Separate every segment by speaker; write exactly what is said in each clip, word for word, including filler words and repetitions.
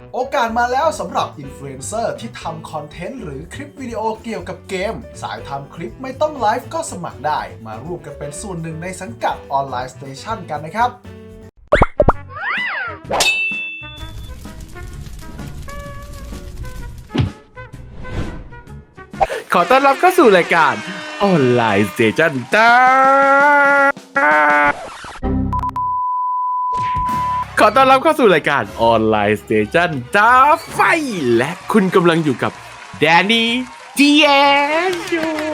Speaker 1: โอกาสมาแล้วสำหรับอินฟลูเอนเซอร์ที่ทำคอนเทนต์หรือคลิปวิดีโอเกี่ยวกับเกมสายทำคลิปไม่ต้องไลฟ์ก็สมัครได้มาร่วมกันเป็นส่วนหนึ่งในสังกัดออนไลน์สเตชันกันนะครับ
Speaker 2: ขอต้อนรับเข้าสู่รายการออนไลน์สเตชันจ้าขอต้อนรับเข้าสู่รายการออนไลน์สเตชันจ้าไฟและคุณกำลังอยู่กับแดนนี่ดีเอส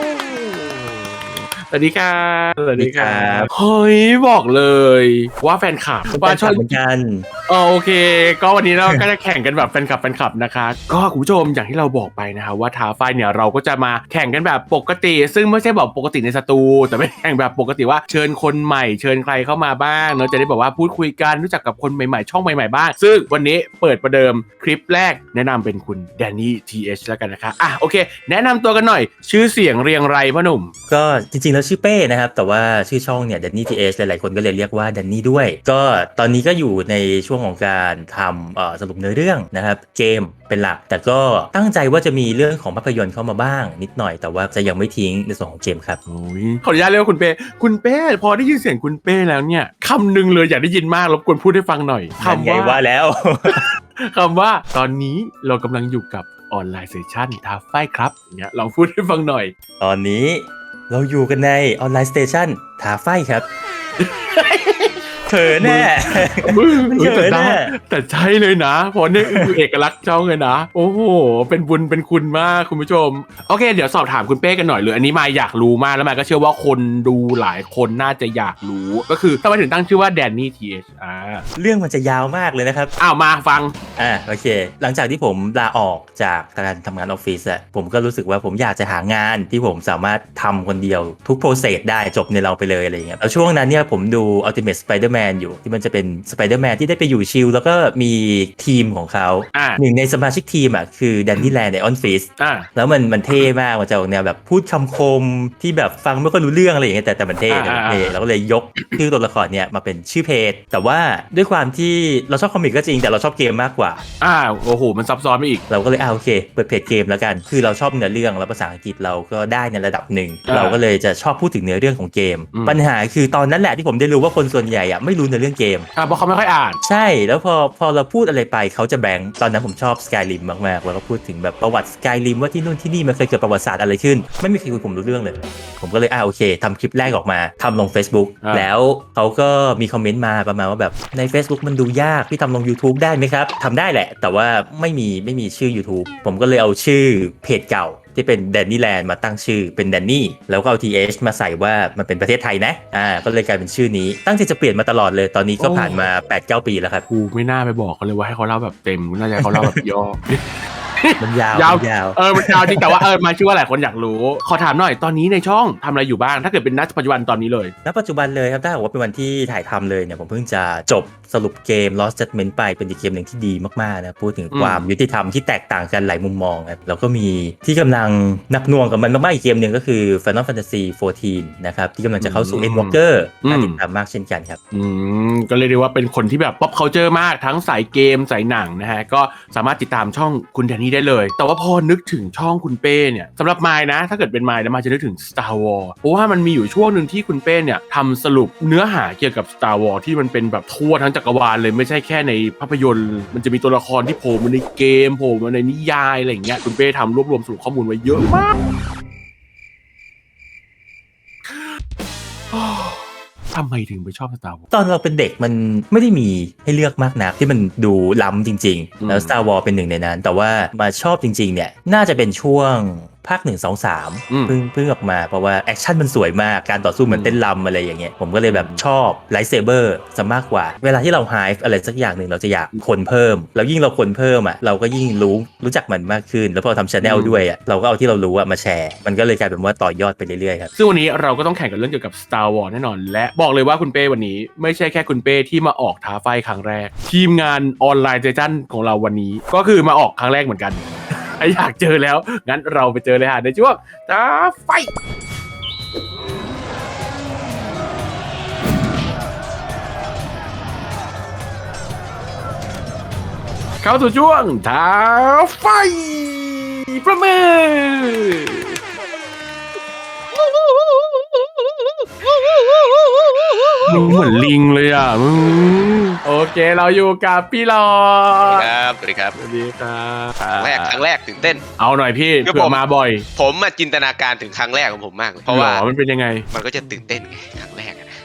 Speaker 2: สวัสดีครับสวัสดีครับเฮ้ยบอกเลยว่าแฟนคลับว่าชอบเหมือนกันอ๋อโอเคก็วันนี้เราก็จะแข่งกันแบบแฟนคลับแฟนคลับนะคะก็คุณผู้ชมอย่างที่เราบอกไปนะคะว่าท้าไฟเนี่ยเราก็จะมาแข่งกันแบบปกติซึ่งไม่ใช่แบบปกติในสตูแต่เป็นแข่งแบบปกติว่าเชิญคนใหม่เชิญใครเข้ามาบ้างเนาะจะได้แบบว่าพูดคุยกันรู้จักกับคนใหม่ๆช่องใหม่ๆบ้างซึ่งวันนี้เปิดประเดิมคลิปแรกแนะนำเป็นคุณแดนนี่ทีเอชแล้วกันนะคะอ่ะโอเคแนะนำตัวกันหน่อยชื่อเสียงเรียงไรพ่อหนุ่ม
Speaker 3: ก็จริงๆแล้วชื่อเป้นะครับแต่ว่าชื่อช่องเนี่ย Danny ที เอช หลายๆคนก็เลยเรียกว่า Danny ด้วยก็ตอนนี้ก็อยู่ในช่วงของการทำเอ่อสรุปเนื้อเรื่องนะครับเกมเป็นหลักแต่ก็ตั้งใจว่าจะมีเรื่องของภาพยนตร์เข้ามาบ้างนิดหน่อยแต่ว่าจะยังไม่ทิ้งในส่วนของเกมครับ
Speaker 2: ขออนุญาตเรียกว่าคุณเป้คุณเป้พอได้ยินเสียงคุณเป้แล้วเนี่ยคำหนึ่งเลยอยากได้ยินมากรบกวนพูดให้ฟังหน่อย
Speaker 3: คำว่าว่าแล้ว
Speaker 2: คำว่าตอนนี้เรากำลังอยู่กับออนไลน์เซสชั่นท้าไฟครับเนี่ยลองพูดให้ฟังหน่อย
Speaker 3: ตอนนี้เราอยู่กันในออนไลน์สเตชันท้าไฟครับเขินแน่
Speaker 2: มันเขินแน่แต่ใช่เลยนะเพราะนี่คือเอกลักษณ์ช่องเลยนะโอ้โหเป็นบุญเป็นคุณมากคุณผู้ชมโอเคเดี๋ยวสอบถามคุณเป้กันหน่อยเลยอันนี้มาอยากรู้มากแล้วมาก็เชื่อว่าคนดูหลายคนน่าจะอยากรู้ก็คือทำไมถึงตั้งชื่อว่าแดนนี่ทีเอชอ่า
Speaker 3: เรื่องมันจะยาวมากเลยนะครับ
Speaker 2: อ้าวมาฟัง
Speaker 3: อ่าโอเคหลังจากที่ผมลาออกจากการทำงานออฟฟิศอะผมก็รู้สึกว่าผมอยากจะหางานที่ผมสามารถทำคนเดียวทุกโปรเซสได้จบในเราไปเลยอะไรอย่างเงี้ยแล้วช่วงนั้นเนี่ยผมดู Ultimate Spider-Man อยู่ที่มันจะเป็น Spider-Man ที่ได้ไปอยู่ชิลแล้วก็มีทีมของเขาหนึ่งในสมาชิกทีมอ่ะคือแดนนี่แลนด์ในออนฟิสแล้วมันมันเท่มากมันจะออกแนวแบบพูดคำคมที่แบบฟังไม่ค่อยรู้เรื่องอะไรอย่างเงี้ยแต่แต่มันเท่แต่มันเท่เราก็เลยยกชื่อตัวละครเนี่ยมาเป็นชื่อเพจแต่ว่าด้วยความที่เราชอบคอมิกก็จริงแต่เราชอบเกมมากกว่า
Speaker 2: อ่าโอ้โหมันซับซ้อนไปอีก
Speaker 3: เราก็เลยอ่าโอเคเปิดเพจเกมแล้วกันคือเราชอบเนื้อเรื่องแล้วภาษาอังกฤษเราก็ได้ในระดับหนึ่งเราก็เลยจะชอบพูดถึงเนื้อเรื่องของเกมปัญหาคือตอนนั้นแหละที่ผมได้รู้ว่าคนส่วนใหญ่อ่ะไม่รู้เนื้อเรื่องเกม
Speaker 2: อ่าเพราะเขาไม่ค่อยอ่าน
Speaker 3: ใช่แล้วพอพอเราพูดอะไรไปเขาจะแบงค์ตอนนั้นผมชอบ Skyrim มากๆแล้วก็พูดถึงแบบประวัติ Skyrim ว่าที่นู่นที่นี่มันเคยเกิดประวัติศาสตร์อะไรขึ้นไม่มีใครคุยผมรู้เรื่องเลยผมก็เลยอ่าโอเคทำคลิปแรกออกมาทำลง Facebook แล้วเขาก็มีคอมเมนต์มาประมาณว่าแบบใน Facebook มันดูยากพี่ทำลง YouTube ได้ไหมครับทำได้แหละแต่ว่าไม่มีไม่มีชื่อ YouTube ผมก็เลยเอาชื่อเพจเก่าที่เป็น Danny Land มาตั้งชื่อเป็น Danny แล้วก็เอา ที เอช มาใส่ว่ามันเป็นประเทศไทยนะอ่าก็เลยกลายเป็นชื่อนี้ตั้งใจจะเปลี่ยนมาตลอดเลยตอนนี้ก็ผ่านมา แปดเก้า ปีแล้วครับ
Speaker 2: กูไม่น่าไปบอกเขาเลยว่าให้เขาเล่าแบบเต็มน่าจะเขาเล่าแบบย่อ
Speaker 3: มันยาวยาว
Speaker 2: เออมันยาวจริงแต่ว่าเออมาชื่อว่าหลายคนอยากรู้ขอถามหน่อยตอนนี้ในช่องทำอะไรอยู่บ้างถ้าเกิดเป็นณปัจจุบันตอนนี้เลย
Speaker 3: ณปัจจุบันเลยครับถ้าบอกว่าเป็นวันที่ถ่ายทำเลยเนี่ยผมเพิ่งจะจบสรุปเกม Lost Judgment ไปเป็นอีกเกมหนึ่งที่ดีมากๆนะพูดถึงความยุติธรรมที่แตกต่างกันหลายมุมมองครับแล้วก็มีที่กำลังหนักหน่วงกับมันมากๆอีกเกมหนึ่งก็คือ Final Fantasy โฟร์ทีน นะครับที่กำลังจะเข้าสู่ Endwalker น่าติดตามมากเช่นกันครับ
Speaker 2: อืมก็เรียกได้ว่าเป็นคนที่แบบ pop culture มากทั้งสายเกมสายหนังนะฮะก็สามารถติดตามช่องคุณแดนนี่ได้เลยแต่ว่าพอนึกถึงช่องคุณเป้เนี่ยสำหรับมายนะถ้าเกิดเป็นมายแล้วมายจะนึกถึง Star Wars เพราะว่ามันมีอยู่ช่วงหนึ่งที่คุณเป้เนี่ยทำสรุปเนื้อหาเกี่ยวกับ Star Wars ที่มันเป็นแบบทั่วทั้งจักรวาลเลยไม่ใช่แค่ในภาพยนตร์มันจะมีตัวละครที่โผล่มาในเกมโผล่มาในนิยายอะไรอย่างเงี้ยคุณเป้ทำรวบรวมสรุปข้อมูลไว้เยอะมากทำไมถึงไปชอบ Star Wars
Speaker 3: ตอนเราเป็นเด็กมันไม่ได้มีให้เลือกมากนักที่มันดูล้ำจริงๆแล้ว Star Wars เป็นหนึ่งในนั้นแต่ว่ามาชอบจริงๆเนี่ยน่าจะเป็นช่วงภาคหนึ่ง สอง สามเพิ่งเพิ่งออกมาเพราะว่าแอคชั่นมันสวยมากการต่อสู้เหมือนเต้นรำอะไรอย่างเงี้ยผมก็เลยแบบชอบไลท์เซเบอร์ซะมากกว่าเวลาที่เราไฮฟ์อะไรสักอย่างหนึ่งเราจะอยากคนเพิ่มแล้วยิ่งเราคนเพิ่มอ่ะเราก็ยิ่งรู้รู้จักมันมากขึ้นแล้วพอทำ channel ด้วยอ่ะเราก็เอาที่เรารู้อ่ะมาแชร์มันก็เลยกลายเป็นว่าต่อยอดไปเรื่อยๆครับ
Speaker 2: ซึ่งวันนี้เราก็ต้องแข่งกันเรื่องเกี่ยวกับ Star Wars แน่นอนและบอกเลยว่าคุณเป้วันนี้ไม่ใช่แค่คุณเป้ที่มาออกท้าไฟครั้งแรกทีมงานออนไลน์เซสชั่นของเราวันนี้ก็คือมาออกครั้งแรกเหมือนกันอยากเจอแล้วงั้นเราไปเจอเลยฮะในช่วงท้าไฟ คเข้าสู่ช่วงท้าไฟประเมินมึงเหมือนลิงเลยอ่ะมึงโอเคเราอยู่กับพี่หลอด
Speaker 4: ครับสวัสดีครับ
Speaker 2: สวัสดีครับ
Speaker 4: ครั้งแรกครั้งแรกตื่นเต้น
Speaker 2: เอาหน่อยพี่
Speaker 4: คือ
Speaker 2: เผื่
Speaker 4: ผ
Speaker 2: อ
Speaker 4: ม
Speaker 2: มาบ่อย
Speaker 4: ผมมาจินตนาการถึงครั้งแรกของผมมากเลยเพราะว่า
Speaker 2: หอมันเป็นยังไง
Speaker 4: มันก็จะตื่นเต้นไงครั้งแรกอะนะ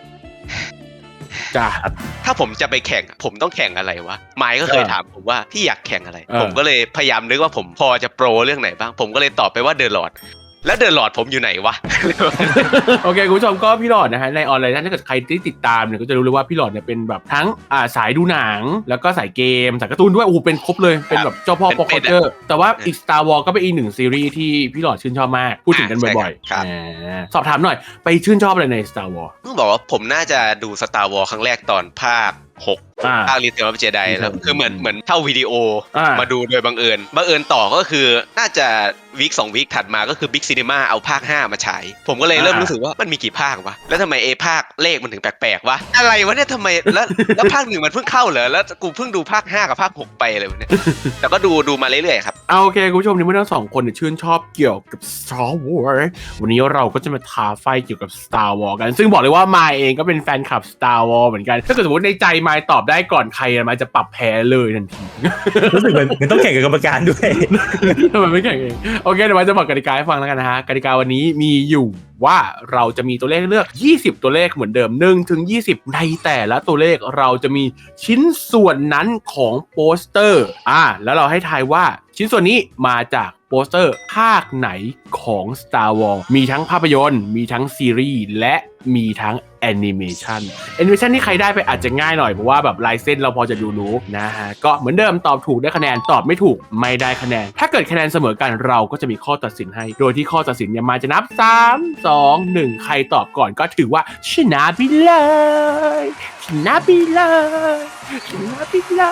Speaker 2: จ้า
Speaker 4: ถ้าผมจะไปแข่งผมต้องแข่งอะไรวะไมค์ก็เคยถามผมว่าพี่อยากแข่งอะไร
Speaker 2: เออ
Speaker 4: ผมก็เลยพยายามนึกว่าผมพอจะโปรเรื่องไหนบ้างผมก็เลยตอบไปว่าเดอะลอร์ดแล้วเดอะลอร์ดผมอยู่ไหนวะ
Speaker 2: โอเคคุณผู้ชมก็พี่หลอดนะฮะในออนไลน์ถ้าเกิดใครที่ติดตามเนี่ยก็จะรู้เลยว่าพี่หลอดเนี่ยเป็นแบบทั้งอ่าสายดูหนังแล้วก็สายเกมสายการ์ตูนด้วยโอ้โหเป็นครบเลยเป็นแบบเจ้าพ่อ
Speaker 4: เป็น
Speaker 2: ป๊อป
Speaker 4: เป็
Speaker 2: คัล
Speaker 4: นอะ
Speaker 2: เจอร์แต่ว่าอีก Star Wars ก็เป็นอีกหนึ่งซีรีส์ที่พี่หลอดชื่นชอบมากพูดถึงกันบ่อย
Speaker 4: ครับ
Speaker 2: ๆอ่าสอบถามหน่อยไปชื่นชอบอะไรใน Star Wars
Speaker 4: ต้องบอกว่าผมน่าจะดูสตาร์วอลครั้งแรกตอนภาคหก
Speaker 2: อ่า
Speaker 4: ภาครีเทลออฟเจไดแล้วคือเหมือนเหมือนเท่าวิดีโอ
Speaker 2: อ่าม
Speaker 4: มาดูโดยบังเอิญบังเอิญต่อก็คือน่าจะวีคสองวีคถัดมาก็คือบิ๊กซีนีมาเอาภาคห้ามาฉายผมก็เลยเริ่มรู้สึกว่ามันมีกี่ภาควะแล้วทำไมเอภาคเลขมันถึงแปลกๆวะอะไรวะเนี่ยทำไมแล้วแล้วภาคหนึ่งมันเพิ่งเข้าเหรอแล้วกูเพิ่งดูภาคห้ากับภาคหกไปเลยวะเนี่ยแต่ก็ดูดูมาเรื่อยๆครับ
Speaker 2: เอาโอเคคุณผู้ชมในเมื่อทั้งสองคนเนี่ยชื่นชอบเกี่ยวกับ Star Wars วันนี้เราก็จะมาท้าไฟเกี่ยวกับ Star Wars กันซึ่งบอกเลยว่ามายเองก็เป็นแฟนคลับ Star Wars เหมือนกันถ้าเกิดสมมติในใจมายตอบได้ก่อนใครมายจะปรับแพ้เลยทันที
Speaker 3: รู้สึกเหมือนเหมือนต้องแข่งกับกรรมการด้วย
Speaker 2: ทำไมไม่แข่งเองโอเคเดี๋ยวมายจะบอกกติกาให้ฟังแล้วกันนะฮะกติกาวันนี้มีอยู่ว่าเราจะมีตัวเลขให้เลือกยี่สิบตัวเลขเหมือนเดิมหนึ่งถึงยี่สิบในแต่ละตัวเลขเราจะมีชิ้นส่วนนั้นของโปสเตอร์อ่าแล้วเราให้ทายว่าชิ้นส่วนนี้มาจากโปสเตอร์ภาคไหนของ Star Wars มีทั้งภาพยนตร์มีทั้งซีรีส์และมีทั้งแอนิเมชันแอนิเมชันที่ใครได้ไปอาจจะง่ายหน่อยเพราะว่าแบบลายเส้นเราพอจะดูรู้นะฮะก็เหมือนเดิมตอบถูกได้คะแนนตอบไม่ถูกไม่ได้คะแนนถ้าเกิดคะแนนเสมอกันเราก็จะมีข้อตัดสินให้โดยที่ข้อตัดสินเนี่ยมาจะนับสาม สอง หนึ่งใครตอบก่อนก็ถือว่าชนะไปเลยชนะไปเลยชนะไปเลย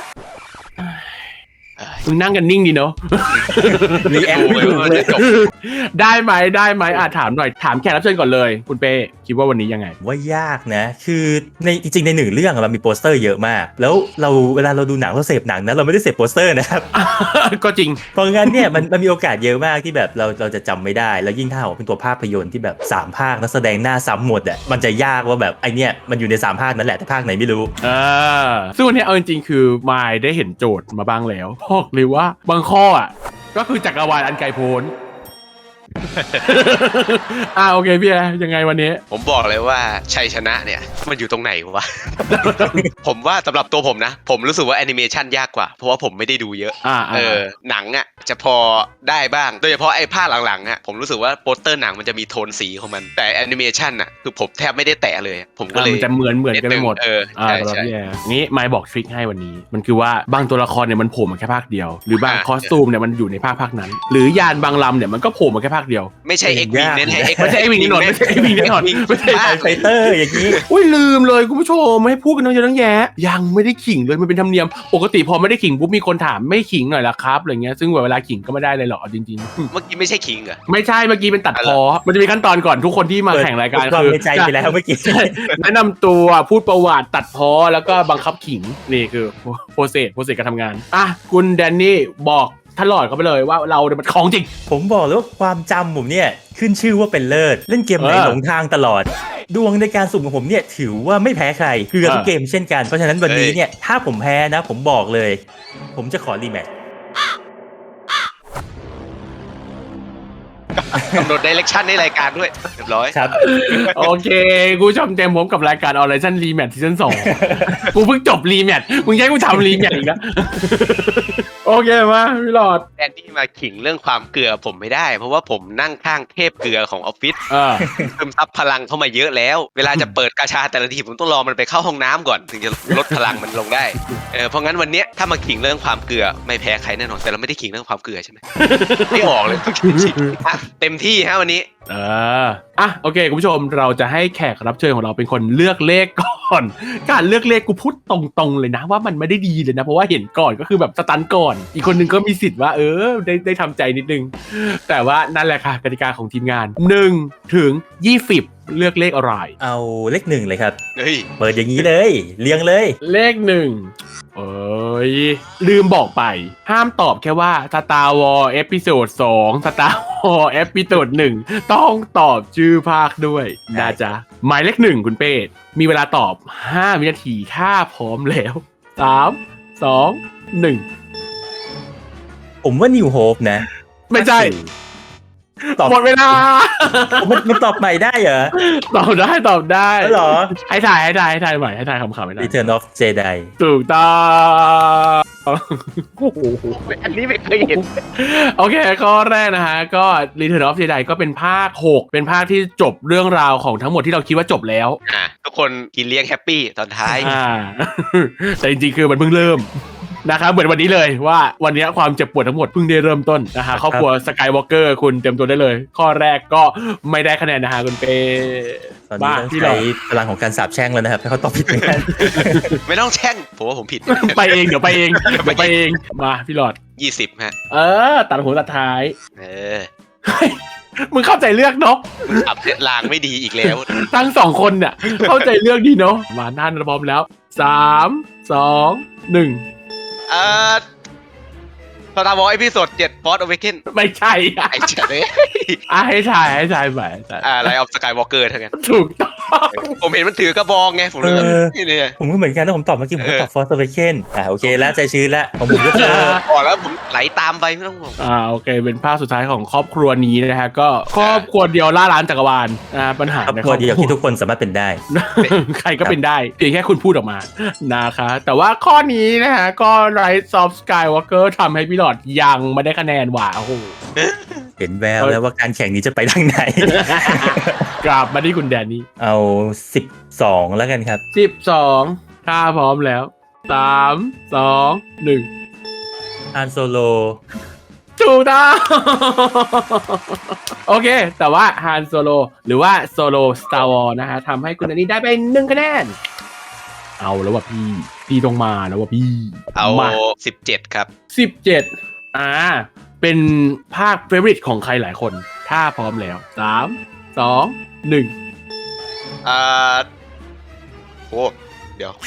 Speaker 2: มึงนั่งกันนิ่งดีเนาะ
Speaker 3: รีแอคไม่ถูกเลย
Speaker 2: ได้ไหมได้ไหมอ่ะถามหน่อยถามแขกรับเชิญก่อนเลยคุณเป้คิดว่าวันนี้ยังไง
Speaker 3: ว่ายากนะ คือในจริงๆในหนึ่งเรื่องอะมันมีโปสเตอร์เยอะมาก แล้วเราเวลาเราดูหนังเราเสพหนังนะเราไม่ได้เสพโปสเตอร์นะครับ
Speaker 2: ก็จริง
Speaker 3: เพราะงั้นเนี่ยมันมันมีโอกาสเยอะมากที่แบบเราเราจะจำไม่ได้ แล้วยิ่งถ้าออกเป็นตัวภาพยนตร์ที่แบบสามภาคนักแสดงหน้าซ้ำหมดอ่ะมันจะยากว่าแบบไอเนี่ยมันอยู่ในสามภาคนั่นแหละแต่ภาคไหนไม่รู้
Speaker 2: อ่าซึ่งวันนี้เอาจริงๆคือมายได้เห็นโจทย์มาบ้างแล้วบอกเลยว่าบางข้ออ่ะก็คือจักรวาลอันไกลโพ้น อ่าโอเคพี่แอร์ยังไงวันนี้
Speaker 4: ผมบอกเลยว่าชัยชนะเนี่ยมันอยู่ตรงไหนวะ ผมว่าสำหรับตัวผมนะ ผมรู้สึกว่าแอนิเมชันยากกว่าเพราะว่าผมไม่ได้ดูเยอะ
Speaker 2: อ่า
Speaker 4: เออหนังอ่ะจะพอได้บ้างโดยเฉพาะไอ้ภาคหลังๆอ่ะผมรู้สึกว่าโปสเตอร์หนังมันจะมีโทนสีของมันแต่แอนิเมชันอ่ะคือผมแทบไม่ได้แตะเลยผมก็เลย
Speaker 2: มันจะเหมือนเหมือนกันไปหมด
Speaker 4: เออ
Speaker 2: อ่า
Speaker 4: ใช่
Speaker 2: สำหรับ
Speaker 4: ใช่
Speaker 2: พี่แอร์งี้มายบอกทริคให้วันนี้ มันคือว่าบางตัวละครเนี่ยมันโผล่มาแค่ภาคเดียว หรือบาง
Speaker 4: อ่า
Speaker 2: คอสตูมเนี่ยมันอยู่ในภาคภาคนั้น หรือยานบางลำเนี่ยมันก็โผล่มาแค่ภาคเดียว
Speaker 4: ไม่ใช่เอ็กวิงแน่ๆ X-Wing
Speaker 2: ไม่ใช่ X-Wing แน่นอนไม่ใช่ X-Wing แน่นอนไม่ใช่
Speaker 4: ภาค
Speaker 3: ไฟเตอร์อย่างนี้
Speaker 2: อุ้ยลืมเลยคุณผู้ชมไม่ให้พูดกันตั้งเยอะตั้งแยะยังไม่ได้ขิงเลยมันเป็นธรรมเนียมปกติพอไม่ได้ขิงปุ๊บมีคนถามไม่ขิงหน่อยละครับอะไรเงี้ยซึ่งเวลาขิงก็ไม่ได้เลยหรอกเอาจริง
Speaker 4: เมื่อกี้ไม่ใช่คิงเหรอ
Speaker 2: ๆ ไม่ใช่เมื่อกี้เป็นตัดพอมันจะมีขั้นตอนก่อนทุกคนที่มาแข่งรายการ
Speaker 3: ความ
Speaker 2: คือ
Speaker 3: ในใจไปแล้วเมื่อกี้
Speaker 2: ใช่แนะนำตัวพูดประวัติตัดพอแล้วก็บังคับขิงนี่คือโปรเซสโปรเซสการทำงานอ่ะคุณแดนนี่บอกท่านหลอดเขาไปเลยว่าเราเนี่ยมันของจริง
Speaker 3: ผมบอกเลยว่าความจำผมเนี่ยขึ้นชื่อว่าเป็นเลิศเล่นเกมไหน
Speaker 2: เออ
Speaker 3: หลงทางตลอด ดวงในการสุ่มของผมเนี่ยถือว่าไม่แพ้ใครคือกับทุกเกมเช่นกันเพราะฉะนั้นวันนี้เนี่ยถ้าผมแพ้นะผมบอกเลย ผมจะขอรีแมตช์
Speaker 4: กำหนดไดเรกชันในรายการด้วยเรียบร้อย
Speaker 3: ครับ
Speaker 2: โอเคกูชมเต็มผมกับรายการออนไลน์ชั่นรีแมทซีซั่นสองกูเพิ่งจบรีแมทมึงใช้กูทำรีแมทอีกแล้ว โอเคมาพี่หลอด
Speaker 4: แดนนี่มาขิงเรื่องความเกลือผมไม่ได้ เพราะว่าผมนั่งข้างเทพเกลือของออฟฟิศ
Speaker 2: เออ
Speaker 4: เพิ่มซับพลังเข้ามาเยอะแล้ว เวลาจะเปิดกาชาแต่ละทีผมต้องรอมันไปเข้าห้องน้ำก่อนถึงจะลดพลังมันลงได้เออเพราะงั้นวันเนี้ยถ้ามาขิงเรื่องความเกลือไม่แพ้ใครแน่นอนแต่เราไม่ได้ขิงเรื่องความเกลือใช่ไหม ไม่ออกเลยต้องขิงอ่ะเต็มที่ฮะวันนี้
Speaker 2: เอออ่ะโอเคคุณผู้ชมเราจะให้แขกรับเชิญของเราเป็นคนเลือกเลขก่อน การเลือกเลขกูพูดตรงๆเลยนะว่ามันไม่ได้ดีเลยนะเพราะว่าเห็นก่อนก็คือแบบสตันก่อนอีกคนนึงก็มีสิทธิ์ว่าเออได้ได้ทำใจนิดนึงแต่ว่านั่นแหละค่ะกติกาของทีมงานหนึ่งถึงยี่สิบเลือกเลขอะไร
Speaker 3: เอาเลขหนึ่งเลยครับ
Speaker 4: เฮ้ย
Speaker 3: เปิดอย่างนี้เลย เรียงเลย
Speaker 2: เลขหนึ่งเอ้ยลืมบอกไป ห้ามตอบแค่ว่า Star Wars เอพิโซดสอง Star Wars เอพิโซดหนึ่งต้องตอบชื่อภาคด้วยนะจ๊ะหมายเลขหนึ่งคุณเป้มีเวลาตอบห้าวินาทีถ้าพร้อมแล้วสามสองหนึ่ง
Speaker 3: ผมว่า New Hope นะ
Speaker 2: ไม่ใช่
Speaker 3: ตอบ
Speaker 2: หมดเวลา
Speaker 3: มันมันตอบใหม่ได้เหรอ
Speaker 2: ตอบได้ตอบได้
Speaker 3: แล้วเหรอ
Speaker 2: ให้ถ่ายให้ถ่ายให้ถ่ายใหม่ให้ถ่ายคำๆไม่ได้
Speaker 3: Return of Jedi
Speaker 2: ถูกต้องโอ้โหอันนี้ไม่เคยเห็น โอเคข้อแรกนะฮะ ก็ Return of Jedi ก็เป็นภาคหกเป็นภาคที่จบเรื่องราวของทั้งหมดที่เราคิดว่าจบแล้ว
Speaker 4: อ่ะทุกคนกินเลี้ยงแฮปปี้ตอนท้าย
Speaker 2: อ่า แต่จริงๆคือมันเพิ่งเริ่มนะครับเหมือนวันนี้เลยว่าวันนี้ความเจ็บปวดทั้งหมดเพิ่งได้เริ่มต้นนะฮะครอบครัวสกายวอล์กเกอร์คุณเต็มตัวได้เลย ข้อแรกก็ไม่ได้คะแนนนะฮะคุณเป้
Speaker 3: ตอนนี้ต้อง
Speaker 2: ที่เรา
Speaker 3: ใช้พลังของการสาบแช่งแล้วนะครับให้เขาตอบผิดเหมือนกัน
Speaker 4: ไม่ต้องแช่งผมว่าผมผิด
Speaker 2: ไปเองเดี๋ยวไปเองเดี๋ยวไปเองมาพี่หลอด
Speaker 4: ยี่สิบฮะ
Speaker 2: เออตัดหัวตัดท้าย
Speaker 4: เออ
Speaker 2: เฮ้ยมึงเข้าใจเลือกเนาะ
Speaker 4: อับลางไม่ดีอีกแล้ว
Speaker 2: ทั้งสองคนเนี่ยเข้าใจเลือกดีเนาะมาท่านพร้อมแล้วสามสองหนึ่ง
Speaker 4: เอ่อสตาร์วอร์เอพิโซดเจ็ดฟอร์ดอเวเกน
Speaker 2: ไม่ใช่อะ
Speaker 4: ไอ้เจ๋อเลย
Speaker 2: อ่ะให้ถ่ายให้ถ่ายไปถ่าย
Speaker 4: อ่าไลออฟสกายวอล์กเกอร์ทั้งนั้น
Speaker 2: ถูกต้อง
Speaker 4: ผมเห็นมันถือกระบองไง ผมเลยแบบ
Speaker 3: เออ
Speaker 4: นี่เนี่ย
Speaker 3: ผมก็เหมือนกันถ้าผมตอบเมื่อกี้ผมก็ตอบ Force Awakens อ่าโอเคแล้วใจชื้นแล้วของผมก็คือ
Speaker 4: บอกแล้วผมไหลตามไปไม่ต้องห่วง
Speaker 2: อ่าโอเคเป็นภาคสุดท้ายของครอบครัวนี้นะฮะก็ครอบครัวเดียวล่าล้านจักรวาลอ่าปัญหา
Speaker 3: ครอบ
Speaker 2: ใน
Speaker 3: ครัวเดียวที่ทุกคนสามารถเป็นได้
Speaker 2: ใครก็เป็นได้เพียงแค่คุณพูดออกมานะคะแต่ว่าข้อนี้นะฮะก็ Rise of Skywalker ทำให้พี่หลอดยังไม่ได้คะแนนหว่าโอ้โห
Speaker 3: เห็นแววแล้วว่าการแข่งนี้จะไปทางไหน
Speaker 2: กลับมาที่คุณแดนนี่
Speaker 3: เอาสิบสองแล้วกันครับ
Speaker 2: สิบสองถ้าพร้อมแล้วสามสองหนึ่ง
Speaker 3: อันโซโล
Speaker 2: ถูกต้อง โอเค แต่ว่าฮานโซโลหรือว่าโซโลสตาร์วอร์นะฮะทำให้คุณอันนี้ได้ไปหนึ่งคะแนน เอาแล้วว่ะพี่ พี่ต้องมาแล้วว่ะพี่
Speaker 4: เอา
Speaker 2: มา
Speaker 4: สิบเจ็ดครับ
Speaker 2: สิบเจ็ดอ่า เป็นภาคเฟเวอริตของใครหลายคน ถ้าพร้อมแล้วสามสองหนึ่ง
Speaker 4: อ่าโอ้เดี๋ยว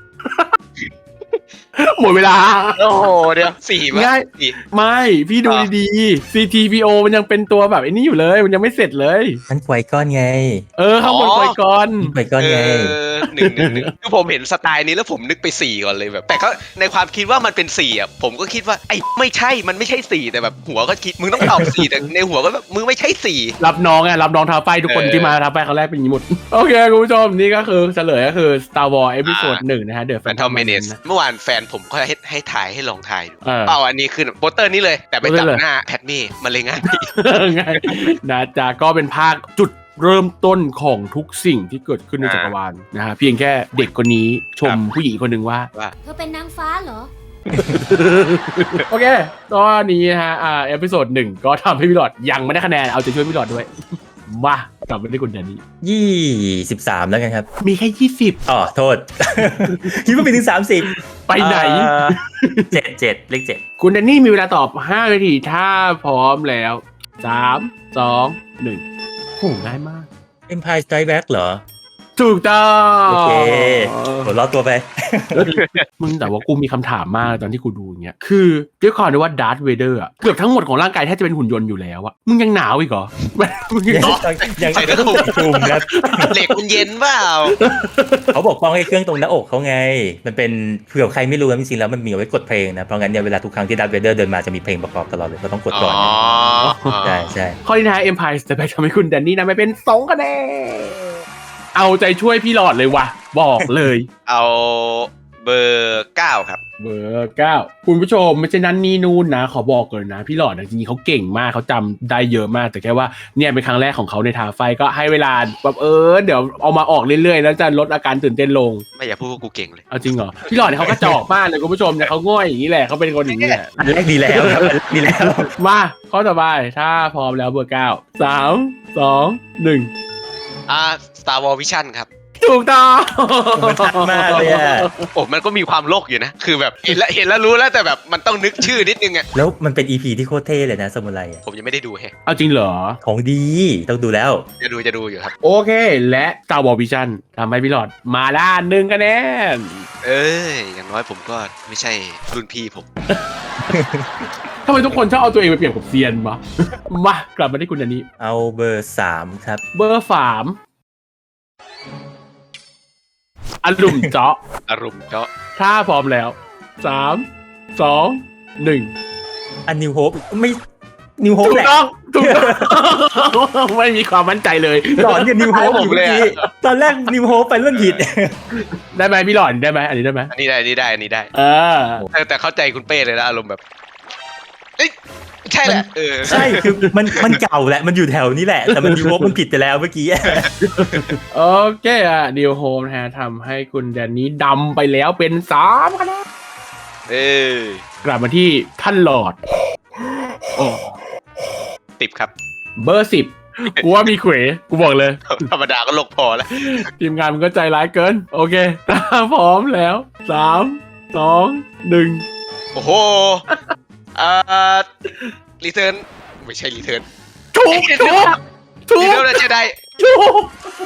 Speaker 2: หมดเวลา
Speaker 4: โอ้โหเดี๋ยวสี่มั้
Speaker 2: ง่าย
Speaker 4: สี่
Speaker 2: ไม่พี่ดูดีๆ ซี ที พี โอ มันยังเป็นตัวแบบไอ้นี่อยู่เลย มันยังไม่เสร็จเลย
Speaker 3: นั่นไกวก้อนไง
Speaker 2: เออข้างบนไฟก่อน
Speaker 3: ไกวก้อน
Speaker 4: เอ
Speaker 3: ไง
Speaker 4: อหนึ่งหนึ่งหนึ่งคือผมเห็นสไตล์นี้แล้วผมนึกไปสี่ก่อนเลยแบบ แต่ก็ในความคิดว่ามันเป็นสี่อ่ะผมก็คิดว่าไอ้ไม่ใช่มันไม่ใช่สี่แต่แบบหัวก็คิดมึงต้องตอบสี่แต่ในหัวก็แบบมึงไม่ใช่สี่
Speaker 2: รับน้องไงรับน้องท้าไฟทุกคน
Speaker 4: เออ
Speaker 2: ที่มาท้าไฟครั้งแรกเป็นอย่างนี้หมด โอเค คุณผู้ชม นี่ก็คือเฉลยก็คือ Star Wars เอพิโซดหนึ่งนะฮะ The
Speaker 4: แฟนทอ
Speaker 2: Phantom
Speaker 4: มเมเนส
Speaker 2: Menace นะ
Speaker 4: เมื่อวานแฟนผมก็ให้ให้ถ่ายให้ลองถ่ายดู
Speaker 2: เออ
Speaker 4: เปล่าอันนี้คือโปสเตอร์นี้เลย แต่ไปจับ
Speaker 2: โปสเตอร์เลย
Speaker 4: หน้าแพทเม่มันเลยง่าย
Speaker 2: ง่ายนะจ๊ะก็เป็นภาคจุดเริ่มต้นของทุกสิ่งที่เกิดขึ้นในจักรวาลนะฮะเพียงแค่เด็กคนนี้ชมผู้หญิงคนหนึ่งว่า
Speaker 4: ว่า
Speaker 5: เธอเป็นนางฟ้าเหรอ
Speaker 2: โอเคตอนนี้นะฮะอ่าเอพิโซดหนึ่งก็ทำให้พี่หลอดยังไม่ได้คะแนนเอาใจช่วยพี่หลอดด้วย มากลับมาที่คุณแดนนี่
Speaker 3: ยี่สิบสามแล้วกันครับ
Speaker 2: มีแค่ยี่สิบ
Speaker 3: อ๋อโทษ คิดว่าไปถึงสามสิบ
Speaker 2: ไปไหน
Speaker 3: เจ็ดเจ็ดเลขเจ็ด
Speaker 2: คุณแดนนี่มีเวลาตอบห้านาทีถ้าพร้อมแล้วสามสองหนึ่งโหง่ายมาก
Speaker 3: Empire Strikes Back เหรอ
Speaker 2: ถูกต้อง
Speaker 3: โอเคหัวเราะตัวไป
Speaker 2: มึงแต่ว่ากูมีคำถามมากตอนที่กูดูอย่างเงี้ยคือด้วยความที่ว่าดาร์ธเวเดอร์อะเกือบทั้งหมดของร่างกายแทบจะเป็นหุ่นยนต์อยู่แล้วอะมึงยังหนาวอีกเหรอ มึงยัง
Speaker 3: ยังยัง
Speaker 4: ใส่กระตุก
Speaker 3: คลุมครับ
Speaker 4: เหล็กมันเย็นเปล่า
Speaker 3: เขาบอกป้องให้เครื่องตรงหน้าอกเขาไง มันเป็นเผื่อใครไม่รู้นะจริงๆแล้วมันมีเอาไว้กดเพลงนะ เพราะงั้นเนี่ยเวลาทุกครั้งที่ดัตเวเดอร์เดินมาจะมีเพลงประกอบตลอดเลยก็ต้องกดก่อน
Speaker 4: อ๋อ
Speaker 3: ใช่ใช่
Speaker 2: ข้อที่ท้าย Empire จะไปทำให้คุณแดนนี่นะไม่เป็นสองคะแนนเอาใจช่วยพี่หลอดเลยว่ะบอกเลย
Speaker 4: เอาเบอร์เก้าครับ
Speaker 2: เบอร์เก้าคุณผู้ชมไม่ใช่นั้นนี่นู่นนะ ขอบอกก่อนนะ พี่หลอดจริงๆเขาเก่งมากเขาจำได้เยอะมาก แต่แค่ว่าเนี่ยเป็นครั้งแรกของเขาในทาไฟก็ให้เวลาแบบเออเดี๋ยวเอามาออกเรื่อยๆ แล้วจะลดอาการตื่นเต้นลง
Speaker 4: ไม่อยากพูดว่ากูเก่งเลย
Speaker 2: เอาจริงเหรอพี่หลอดเนี่ยเขากระจอกมากเลยคุณผู้ชมเนี่ยเขาง่อยอย่างนี้แหละเขาเป็นคนอย่างนี้แหละ
Speaker 3: อันแรกดีแล้วครับอันแรกดีแล้ว
Speaker 2: มาข้อต่อไปถ้าพร้อมแล้วเบอร์เก้าสามสองหนึ่ง
Speaker 4: อ่า Star Wars Vision ครับ
Speaker 2: ถูกต้อง
Speaker 3: มันชัดมากเลยอะ
Speaker 4: โอ้มันก็มีความโลกอยู่นะคือแบบเห็นแล้วเห็นแล้วรู้แล้วแต่แบบมันต้องนึกชื่อนิดนึงอะ
Speaker 3: แล้วมันเป็น อี พี ที่โคตรเท่เลยนะซามูไรอะ
Speaker 4: ผมยังไม่ได้ดูแฮะ
Speaker 2: เอาจริงเหรอ
Speaker 3: ของดีต้องดูแล้ว
Speaker 4: จะดูจะดูอยู่ครับ
Speaker 2: โอเค และ Star Wars Vision ทำให้พี่หลอดมาด้านหนึ่งคะแนน
Speaker 4: เอ้ยอย่างน้อยผมก็ไม่ใช่รุ่นพี่ผม
Speaker 2: ทำไมทุกคนชอบเอาตัวเองไปเปรียบกับเซียนวะ มากลับมาที่คุณอันนี้
Speaker 3: เอาเบอร์สามครับ
Speaker 2: เบอร์สามอารมณ์เจาะ
Speaker 4: อารมณ์เจาะ
Speaker 2: ถ้าพร้อมแล้วสามสองหนึ่ง
Speaker 3: อันนิวโฮปไม่นิวโฮป
Speaker 2: ถูก
Speaker 3: แหละ
Speaker 2: ต้องถูกต้อง ไม่มีความมั่นใจเลย
Speaker 3: หลอนกับนิวโฮปอยู่เมื่อกี้ตอนแรกนิวโฮปไปเรื่องผิด
Speaker 2: ได้ไหมพี่หลอดได้ไหมอันนี้ได้ไหม
Speaker 4: อันนี้ได้อันนี้ได้อันนี้ได้
Speaker 2: เออ
Speaker 4: แต่แต่เข้าใจคุณเป้เลยนะอารมณ์แบบเอ้ยใช่แหละเออ
Speaker 3: ใช่คือมันมันเก่าแหละมันอยู่แถวนี้แหละแต่มันนิวโฮปมันผิดไปแล้วเมื่อกี้
Speaker 2: โอเคอ่ะดิวโฮมนะฮะทำให้คุณแดนนี้ดำไปแล้วเป็นสามคะแนน
Speaker 4: เออก
Speaker 2: ลับมาที่ท่านหลอดโอ้
Speaker 4: ติบครับ
Speaker 2: เบอร์สิบกูว่ามีเขวกูบอกเลย
Speaker 4: ธรรมดาก็โลกพอแล้ว
Speaker 2: ทีมงานมันก็ใจร้ายเกิน โอเคถ้าพร้อมแล้วสามสองหนึ่ง
Speaker 4: โอ้โหอ่ารีเทิร์นไม่ใช่รีเทิร์น
Speaker 2: ถูกถูกถู
Speaker 4: รี
Speaker 2: ก
Speaker 4: เทิร์นจะได้
Speaker 2: ถูก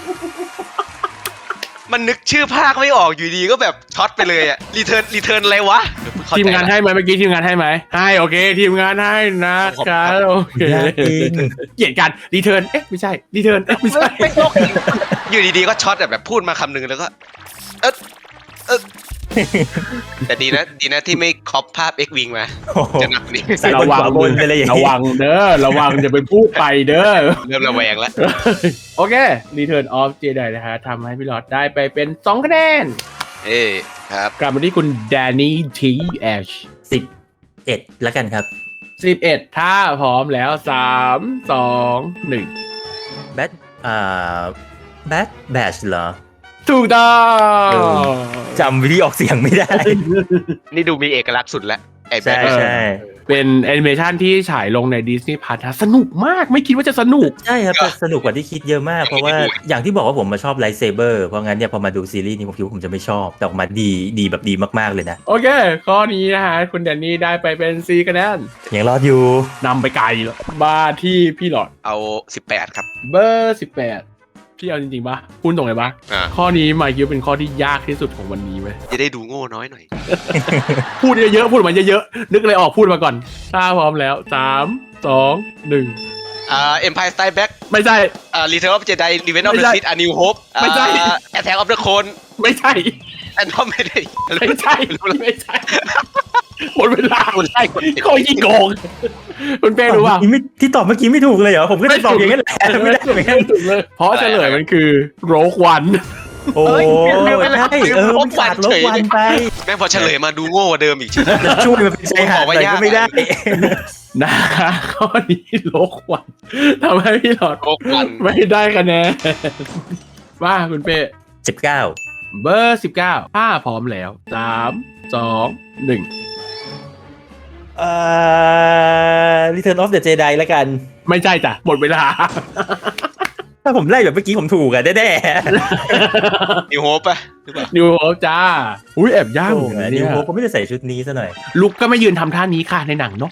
Speaker 4: มันนึกชื่อภาคไม่ออกอยู่ดีก็แบบช็อตไปเลยอะรีเทิร์นรีเทิร์นอะไรวะเข้
Speaker 2: ทีม
Speaker 4: ใจ
Speaker 2: งาน
Speaker 4: ละ
Speaker 2: ให้ไหมเมื่อกี้ทีมงานให้ไหมให้โอเค ทีมงานให้นะครับโอเค
Speaker 3: ยากจริง
Speaker 2: เกลียดกันรีเทิร์นเอ๊ะไม่ใช่รีเทิร์นเอ๊ะไม่ใช่
Speaker 4: ไม่โลกอยู่ดีๆก็ช็อตแบบพูดมาคำหนึงแล้วก็เอ๊ะเอ๊ะแต่ดีนะดีนะที่ไม่คอปภาพ X Wing มา
Speaker 3: โอ้โห
Speaker 4: จะหนักนี่
Speaker 3: ใส่บนขวาบนไปเลยอย่าง
Speaker 2: ระ
Speaker 3: นี้
Speaker 2: วังเด้อระวังจะเป็นพูดไปเด้อ
Speaker 4: เริ่มระแวงแล้ว
Speaker 2: โอเค Return of Jedi นะฮะทำให้พี่หลอดได้ไปเป็นสองคะแนน
Speaker 4: เอ้ครับ
Speaker 2: กลับมาที่คุณ Danny T Ash
Speaker 3: สิบเอ็ดแล้วกันครับ
Speaker 2: สิบเอ็ดถ้าพร้อมแล้วสามสองหนึ่ง
Speaker 3: แบทอ่าแบทแบชเหรอ
Speaker 2: ถูกต้อ
Speaker 3: เออ
Speaker 2: ง
Speaker 3: จำวิธีออกเสียงไม่ได้
Speaker 4: นี่ดูมีเอกลักษณ์สุดแล้วไอ้แบ
Speaker 3: ใช่
Speaker 4: ท
Speaker 3: ใช่
Speaker 2: เป็นแอนิเมชันที่ฉายลงใน Disney Plus สนุกมากไม่คิดว่าจะสนุก
Speaker 3: ใช่ครับแต่สนุกกว่าที่คิดเยอะมาก เพราะว่าอย่างที่บอกว่าผมมาชอบไลท์เซเบอร์เพราะงั้นเนี่ยพอมาดูซีรีส์นี้ผมคิดว่าผมจะไม่ชอบแต่ออกมาดีดีแบบดีมากๆเลยนะ
Speaker 2: โอเค ข้อนี้นะฮะ คุณแดนนี่ได้ไปเป็นสี่คะแนน
Speaker 3: ยังรอดอยู่
Speaker 2: นำไปไกลแล้วมาที่พี่หลอด
Speaker 4: เอาสิบแปดครับ
Speaker 2: เบอร์สิบแปดพี่เอาจริงๆปะพูดตรงเลยปะ
Speaker 4: อ่า
Speaker 2: ข้อนี้มาคิดว่าเป็นข้อที่ยากที่สุดของวันนี้ไหม
Speaker 4: จะได้ดูโง่น้อยหน่อย
Speaker 2: พูดเยอะๆพูดออกมาเยอะๆนึกอะไรออกพูดมาก่อนถ้าพร้อมแล้วสามสองหนึ่ง
Speaker 4: อ่า Empire Strikes Back
Speaker 2: ไม่ใช่
Speaker 4: อ่า Return of Jedi Revenge of
Speaker 2: ไม่
Speaker 4: the
Speaker 2: ใช่
Speaker 4: Sith A New Hope
Speaker 2: ไม่ใช่
Speaker 4: อ่า Attack of the Clone
Speaker 2: ไม่ใช่
Speaker 4: อันนั้นไม่ได้
Speaker 2: ไม่ใช่ไม่ใช่หมดเวลา
Speaker 4: คุณไล่คนผิด
Speaker 2: เขายิ่งโกงคุณเป้รู้ป่ะ
Speaker 3: เมื่อกี้ไม่ที่ตอบเมื่อกี้ไม่ถูกเลยเหรอผมก็จะตอบอย่างนั้นแหละไม่ได้เหมือนกัน
Speaker 2: ถูกเลยเพราะเฉลยมันคือโรควัน
Speaker 3: โอ้
Speaker 4: เอ้
Speaker 3: ย
Speaker 4: ยไม่เป็นไร
Speaker 3: ใช่เออมันขาดลบวันไป
Speaker 4: แม่งพอเฉลยมาดูโง่กว่าเดิมอีก
Speaker 3: จะช่วยมันเป็นชายหาดหน่อยก็ไม่ได้
Speaker 2: นะข้อนี้โลกวันทำให้พี่หลอด
Speaker 4: โลกวัน
Speaker 2: ไม่ได้คะแนนว่าคุณเป้
Speaker 3: สิบเก้า
Speaker 2: เบอร์สิบเก้าถ้าพร้อมแล้วสามสองหนึ่ง
Speaker 3: เอ่อ Return of the Jedi แล้วกัน
Speaker 2: ไม่ใช่จ้ะหมดเวลา
Speaker 3: ถ้าผมไล่แบบเมื่อกี้ผมถูกอะแน่
Speaker 4: นิวโฮปปะหรือเปล่า
Speaker 2: นิวโฮปจ้า อุ้ยแอบ
Speaker 3: ๆ
Speaker 2: ย่าง
Speaker 3: โอ้
Speaker 2: เหมือน
Speaker 3: โห
Speaker 2: กัน
Speaker 3: นิ
Speaker 2: เนี่
Speaker 3: วย โฮปก็ไม่ได้ใส่ชุดนี้ซะหน่อย
Speaker 2: ลุกก็ไม่ยืนทำท่านี้ค่ะในหนังเนาะ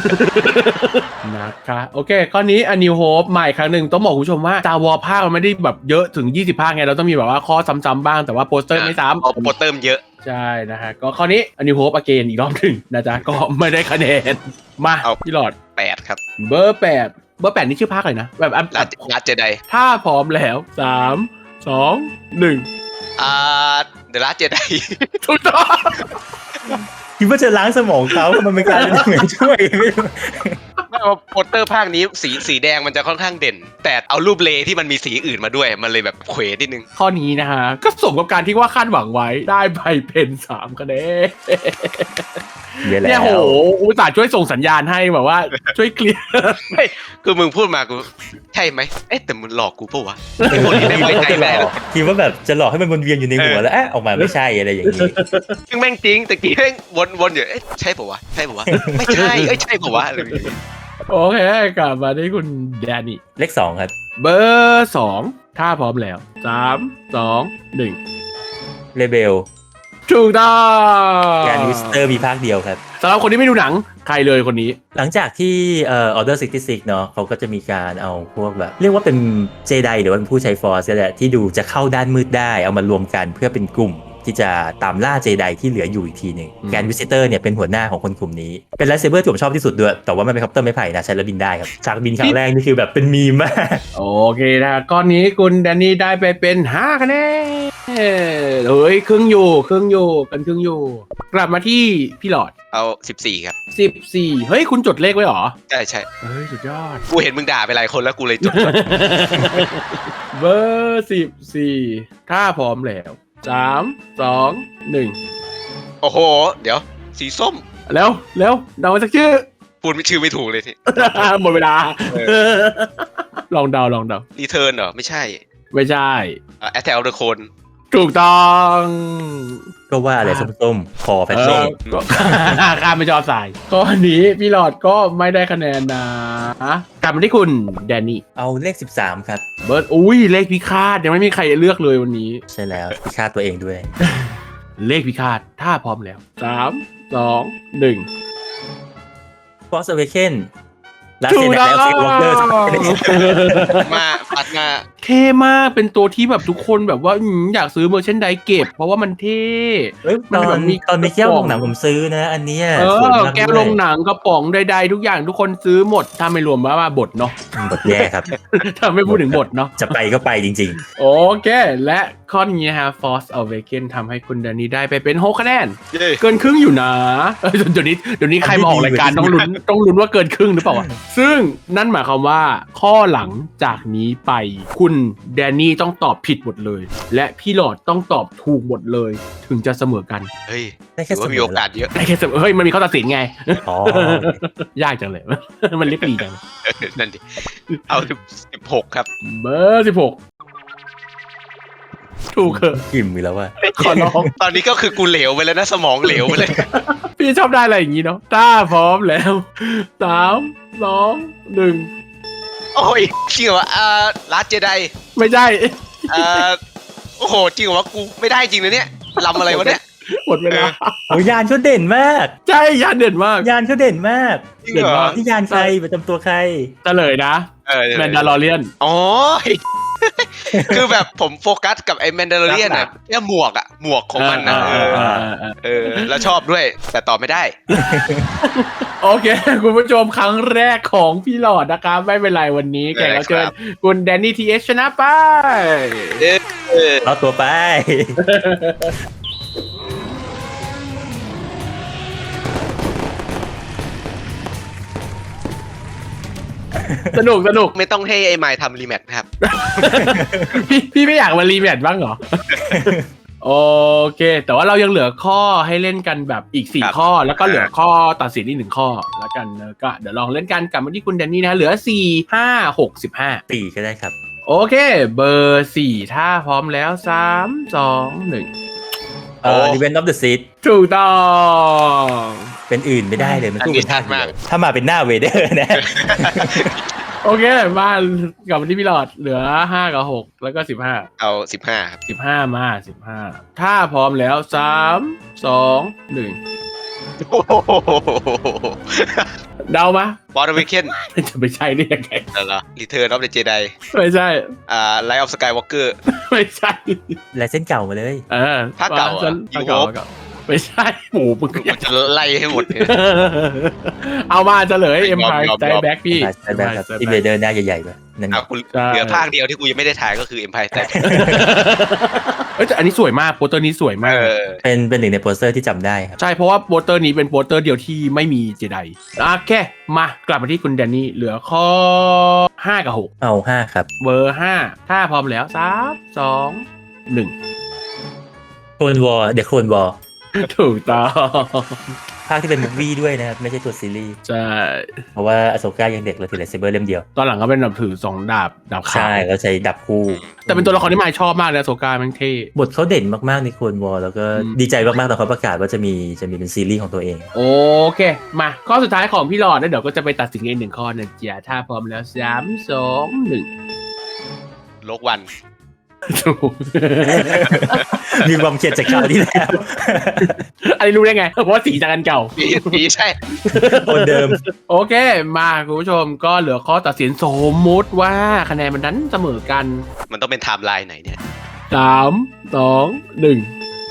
Speaker 2: นะคะโอเคข้อนี้อันนิวโฮปใหม่ครั้งหนึ่งต้องบอกคุณผู้ชมว่าจาวอภาคมันไม่ได้แบบเยอะถึงยี่สิบภาคไงเราต้องมีแบบว่าข้อซ้ำๆบ้างแต่ว่าโปสเตอร์ไม่ซ้ำ
Speaker 4: เอาโปรเติมเยอะ
Speaker 2: ใช่นะฮะก็ข้อนี้อันนิวโฮปอเกนอีกรอบหนึ่งนะจ๊ะก็ไม่ได้คะแนนมา
Speaker 4: เอา
Speaker 2: พี่หลอด
Speaker 4: แปดครับ
Speaker 2: เบอร์แปดเบอร์แปดนี่ชื่อภาคอะไรนะแบบอัน
Speaker 4: ลาลาเจได
Speaker 2: ถ้าพร้อมแล้วสามสองหนึ่ง
Speaker 4: อ่าเดอะลาเจได
Speaker 2: ถูกต้อง
Speaker 3: คิดว่าจะล้างสมองเขามันเป็นการเหมือนช่วยไม่รู้
Speaker 4: ไม่ว่าโปสเตอร์ภาคนี้สีสีแดงมันจะค่อนข้างเด่น แต่เอารูปเลที่มันมีสีอื่นมาด้วยมันเลยแบบเขวนิดนึง
Speaker 2: ข้อนี้นะฮะก็สมกับการที่ว่าคาดหวังไว้ได้ใบเป็นสามคะแนน
Speaker 3: เยอะแล้
Speaker 2: เนี่ยโห
Speaker 3: ว
Speaker 2: อุตส่าห์ช่วยส่งสัญญาณให้แบบว่า ช่วยเคลียร์
Speaker 4: ไม่คือมึงพูดมากูใช่ไหมเอ๊ะแต่มึงหลอกกูปะวะไอ้คนนี้ได้ไว้ใจไม่ได้หรอก
Speaker 3: คิดว่าแบบจะหลอกให้มันวนเวียนอยู่ในหัวแล้วเอ๊ะออกมาไม่ใช่อะไรอย่างนี้
Speaker 4: ซึ่งแม่งจริงแต่กี้แม่งวนวนอยู่เอ๊ะใช่ปะวะใช่ปะวะไม่ใช่เอ้ยใช่ปะวะอะไรอย่างงี้
Speaker 2: โอเคกลับมาที่คุณแดนนี่
Speaker 3: เลขสองครับ
Speaker 2: เบอร์สองถ้าพร้อมแล้วสามสองหนึ่ง
Speaker 3: เลเบล
Speaker 2: ถูกต้อง
Speaker 3: แกนวิสเตอร์มีภาคเดียวครับ
Speaker 2: สำหรับคนที่ไม่ดูหนังใครเลยคนนี้
Speaker 3: หลังจากที่เอ่อ Order หกสิบหกเนาะเขาก็จะมีการเอาพวกแบบเรียกว่าเป็นเจไดหรือว่าเป็นผู้ใช้ฟอร์สแหละที่ดูจะเข้าด้านมืดได้เอามารวมกันเพื่อเป็นกลุ่มที่จะตามล่าเจไดที่เหลืออยู่อีกทีหนึ่งแกนวิสิเตอร์เนี่ยเป็นหัวหน้าของคนกลุ่มนี้เป็นไลท์เซเบอร์ที่ผมชอบที่สุดด้วยแต่ว่ามันเป็นคอปเตอร์ไม้ไผ่นะใช้แล้วบินได้ครับฉากบินครั้งแรกนี่คือแบบเป็นมีมมาก
Speaker 2: โอเคนะก้อนนี้คุณแดนนี่ได้ไปเป็นห้าคะแนนเฮ้ยครึ่งอยู่ครึ่งอยู่กันครึ่งอยู่กลับมาที่พี่หลอด
Speaker 4: เอาสิบสี่ครับ
Speaker 2: สิบสี่เฮ้ยคุณจดเลขไว้หรอ
Speaker 4: ใช่ใช่
Speaker 2: เฮ้ยสุดยอด
Speaker 4: กูเห็นมึงด่าไปหลายคนแล้วกูเลยจด
Speaker 2: เบอร์สิบสี่ถ้าพร้อมแล้วสามสองหนึ่ง
Speaker 4: โอ้โหเดี๋ยวสีส้ม
Speaker 2: แล้วแล้วเดาสักชื่อ
Speaker 4: พูดไม่ชื่อไม่ถูกเลยที
Speaker 2: หมดเวลาลองเดาลองเดา
Speaker 4: รีเทิร์นเหรอไม่ใช่
Speaker 2: ไม่ใช่
Speaker 4: แอตแทลเดอะโคน
Speaker 2: ถูกต้อง
Speaker 3: ก็ว่าอะไรส้มๆคอแพทเล่
Speaker 2: ข้ามไม่จอสายข้อนี้พี่หลอดก็ไม่ได้คะแนนนะกลับมาที่คุณแดนนี่
Speaker 3: เอาเลขสิบสามครับ
Speaker 2: เบิร์ดอุ้ยเลขพิฆาตยังไม่มีใครเลือกเลยวันนี้
Speaker 3: ใช่แล้วพิฆาตตัวเองด้วย
Speaker 2: เลขพิฆาตถ้าพร้อมแล้วสามสองหนึ่ง
Speaker 3: Force Awakens แล้วเสร็จแล้วเซวอเกอร์
Speaker 4: มาปัดมา
Speaker 2: เท่มากเป็นตัวที่แบบทุกคนแบบว่าอยากซื้อเมอร์เชนไดเก็บเพราะว่ามันเท่
Speaker 3: ตอนมีตอนมีแก้วลงหนังผมซื้อนะอันนี้
Speaker 2: เออแก้วลงหนังกระป๋องใดๆทุกอย่างทุกคนซื้อหมดถ้าไม่รวมว่าบทเนาะ
Speaker 3: บทแย่ครับ
Speaker 2: ถ้าไม่พูดถึงบทเนาะ
Speaker 3: จะไปก็ไปจริง
Speaker 2: ๆโอเคและข้อนี้ฮะ Force Awakens ทำให้คุณแดนนี่ได้ไปเป็นหกคะแนนเกินครึ่งอยู่นะเดี๋ยวนี้เดี๋ยวนี้ใครมาออกรายการต้องลุ้นต้องลุ้นว่าเกินครึ่งหรือเปล่าซึ่งนั่นหมายความว่าข้อหลังจากนี้ไปคุณแดนนี่ต้องตอบผิดหมดเลยและพี่หลอดต้องตอบถูกหมดเลยถึงจะเสมอกัน
Speaker 4: เฮ้ยถือว่ามีโอกาสเยอะ
Speaker 2: ได้แค่เสมอเฮ้ยมันมีข้อตัดสินไงอ๋อยากจังเลยมันเล็กดีจัง
Speaker 4: นั่นดิเอาสิบหกครับ
Speaker 2: เบอร์สิบหกถูกเหรอ
Speaker 3: กิมมีแล้วว่า
Speaker 2: ขอร้อง
Speaker 4: ตอนนี้ก็คือกูเหลวไปแล้วนะสมองเหลวไปเลย
Speaker 2: พี่ชอบได้อะไรอย่างงี้เนาะถ้าพร้อมแล้วสามสองหนึ่ง
Speaker 4: โอ้ยจริงเหรออ่าลาสเจได
Speaker 2: ไม่ใช่
Speaker 4: อ่าโอ้โหจริงเหรอวะกูไม่ได้จริงเลยเนี่ยลำอะไรวะเนี่ย
Speaker 2: หมดเวลา
Speaker 3: โอ้ยานเขาเด่นมาก
Speaker 2: ใช่ยานเด่นมาก
Speaker 3: ยานเขาเด่นมากเด่นมากที่ยานใครประจำตัวใคร
Speaker 2: เฉลยนะแมนดาลอเรียน
Speaker 4: อ๋อคือแบบผมโฟกัสกับไอ้แมนดาลอเรียนน่ะแค่หมวกอ่ะหมวกของมันนะเออแล้วชอบด้วยแต่ตอบไม่ได้
Speaker 2: โอเคคุณผู้ชมครั้งแรกของพี่หลอดนะครับไม่เป็นไรวันนี้แขกรับเชิญคุณแดนนี่ทีเอชชนะไป
Speaker 3: เอาตัวไป
Speaker 2: สนุกสนุก
Speaker 4: ไม่ต้องให้ไอ้ไมค์ทำรีแมทครับ
Speaker 2: พี่พี่ไม่อยากมารีแมทบ้างเหรอโอเคแต่ว่าเรายังเหลือข้อให้เล่นกันแบบอีกสี่ข้อแล้วก็เหลือข้อตัดสินอีกหนึ่งข้อแล้วกันนะก็เดี๋ยวลองเล่นกันกลับมาที่คุณแดนนี่นะเหลือสี่ ห้า หก สิบห้า
Speaker 3: ตีก็ได้ครับ
Speaker 2: โอเคเบอร์สี่ถ้าพร้อมแล้วสาม สอง หนึ่ง
Speaker 3: เอ่อ Revenge of the Sith
Speaker 2: ถูกต้อง
Speaker 3: เป็นอื่นไม่ได้เลยมันตู้เป็นท่ามากถ้ามาเป็นหน้าเวเดอร์นะ
Speaker 2: โอเคมากลับมาที่พี่หลอดเหลือห้ากับหกแล้วก็สิบห้า
Speaker 4: เอาสิบห้าครับ
Speaker 2: สิบห้ามาสิบห้าถ้าพร้อมแล้วสาม สอง หนึ่งเดามา
Speaker 4: ฟอร์ดเวเคน
Speaker 2: จะไม่ใช่ได้ยังไง
Speaker 4: นั่นเหรอรีเทิร์นออฟเดอะเจได
Speaker 2: ไม่ใช่
Speaker 4: อ่าไลท์ออฟสกายวอล์กเกอร์
Speaker 2: ไม่ใช่
Speaker 3: ลายเส้นเก่ามาเลย
Speaker 2: เออ
Speaker 4: ภาคเก่าอ่ะ
Speaker 2: ภาคเก่าไม่ใช่หมูมึง
Speaker 4: อยากจะไล่ให้หมด
Speaker 2: เอามาจะเลย Empire Strikes Back พี่
Speaker 3: อินเวเดอร์หน้าใหญ่ๆแบบ
Speaker 4: นั่นเหลือภาคเดียวที่กูยังไม่ได้ถ่ายก็คือ Empire Strikes Back
Speaker 2: เอ้ยแต่อันนี้สวยมากโปสเตอร์นี้สวยมาก
Speaker 3: เป็นเป็นหนึ่งในโปสเตอร์ที่จำได้ครับ
Speaker 2: ใช่เพราะว่าโปสเตอร์นี้เป็นโปสเตอร์เดียวที่ไม่มีเจไดโอเคมากลับมาที่คุณแดนนี่เหลือข้อห้ากับหก
Speaker 3: เอาห้าครับ
Speaker 2: เบอร์ห้าถ้าพร้อมแล้วสาม สอง หนึ่ง
Speaker 3: โคลนวอร์เดอะโคลนวอร์
Speaker 2: ถูกต้อง
Speaker 3: ภาคที่เป็นมูฟวี่ด้วยนะครับไม่ใช่ตัวซีรีส์
Speaker 2: ใช่
Speaker 3: เพราะว่าอโซก้ายังเด็กเลยถือไลท์เซเบอร์เล่มเดียว
Speaker 2: ตอนหลังก็เป็นแบบถือสองดาบดาบขาว
Speaker 3: ใช่แล้วใช้ดาบคู่
Speaker 2: แต่เป็นตัวละครที่มายชอบมากเลยอโซก้ามันเท่
Speaker 3: บทเขาเด่นมากๆในโคลนวอร์แล้วก็ดีใจมากๆตอนเขาประกาศว่าจะมีจะมีเป็นซีรีส์ของตัวเอง
Speaker 2: โอเคมาข้อสุดท้ายของพี่หลอดแล้วเดี๋ยวก็จะไปตัดสินกันหนึ่งข้อนะจ๊ะถ้าพร้อมแล้วสาม สอง หนึ่ง
Speaker 4: โลกวัน
Speaker 2: ถูก
Speaker 3: มีความเขียนจากคราวที่แล้ว
Speaker 2: อันนี้รู้ได้ไงเพราะว่าสีจากกันเก่า
Speaker 4: ปีปีใช่
Speaker 3: คนเดิม
Speaker 2: โอเคมาคุณผู้ชมก็เหลือข้อตัดสินสมมุติว่าคะแนนมันนั้นเสมอกัน
Speaker 4: มันต้องเป็นไทม์ไลน์ไหนเนี่ย
Speaker 2: สามสองหนึ่ง